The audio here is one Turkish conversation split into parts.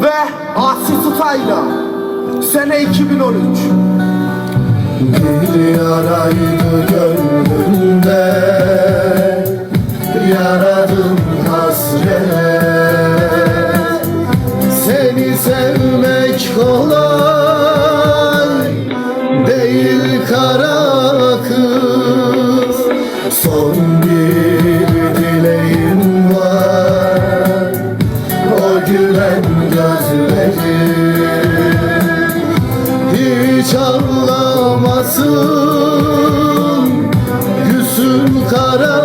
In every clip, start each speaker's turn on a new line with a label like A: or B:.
A: ve Asi Tutay'la sene 2013.
B: Bir yaraydı gönlümde, yaradım hasret. Seni sevmek kolay değil kara kız. Son bir dileğim var, o gülen gözlerim hiç ağlamasın, gülsün kara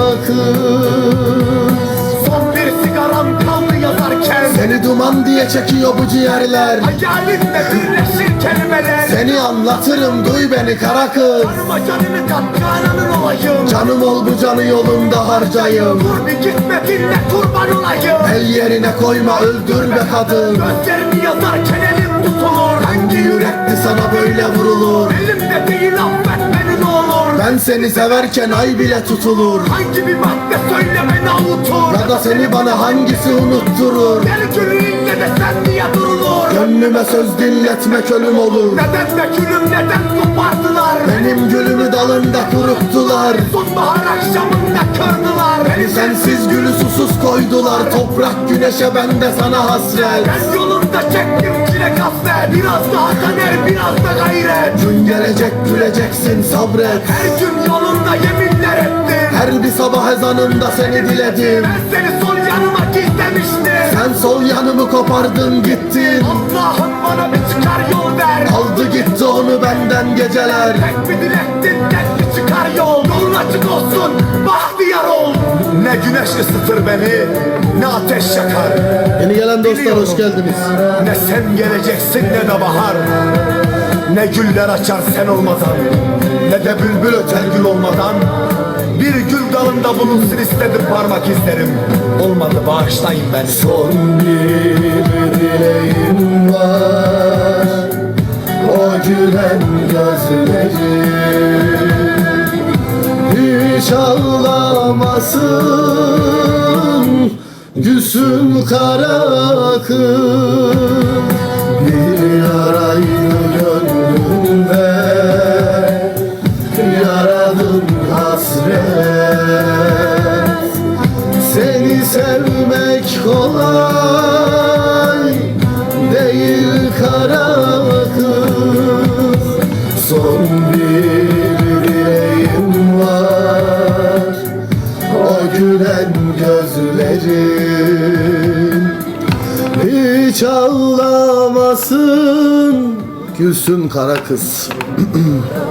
B: kız.
A: Son bir sigaram kaldı yazarken,
B: Seni duman diye çekiyor bu ciğerler.
A: hayalimle birleşir kelimeler.
B: Seni anlatırım, duy beni kara kız.
A: Canıma canını kat, cananın olayım.
B: Canım ol bu canı yolunda harcayım.
A: Dur bir gitme, dinle, kurban olayım.
B: El yerine koyma, öldür be kadın.
A: Gözlerimi yazarken elim tutulur.
B: Hangi yürekli sana böyle vurulur?
A: Elimde değil, affet beni ne olur.
B: Ben seni severken ay bile tutulur.
A: Hangi bir madde söyle beni avutur.
B: Ya da seni bana hangisi unutturur?
A: Gel gülüğünle de sen diye durulur.
B: Gönlüme söz dinletmek ölüm olur.
A: Neden be gülüm, neden kopardılar?
B: Benim gülümü dalında kuruttular.
A: Sonbahar akşamında kırdılar.
B: Beni sensiz gülü susuz koydular. Toprak güneşe, ben de sana hasret.
A: Ben yolunda çektim çile kasvet. Biraz daha kader, biraz da gayret.
B: Gün gelecek, güleceksin, sabret.
A: Her gün yolunda yeminler ettim.
B: Her bir sabah ezanında seni diledim.
A: Ben seni sol yanıma gizlemiştim.
B: Sen sol yanımı kopardın gittin.
A: Allah'ım bana bir çıkar yol ver.
B: Aldı gitti onu benden geceler.
A: Tek bir dilektin, tek bir çıkar yol. Yolun açık olsun, bahtiyar ol. Ne güneş ısıtır beni, ne ateş yakar.
B: Yeni gelen dostlar
A: Biliyorum.
B: hoş geldiniz.
A: Ne sen geleceksin ne de bahar. Ne güller açar sen olmadan, ne de bülbül öter gül olmadan. Bir gül dalında bulunsun istedim parmak izlerim. Olmadı, bağışlayın beni.
B: Son bir dileğim var, o gülen gözlerim hiç ağlamasın, gülsün kara kız. Bir yaraydı gönlümde, yaradım hasret. Seni sevmek kolay değil kara kız. Son bir dileğim var, o gülen gözlerim hiç ağlamasın, gülsün kara kız.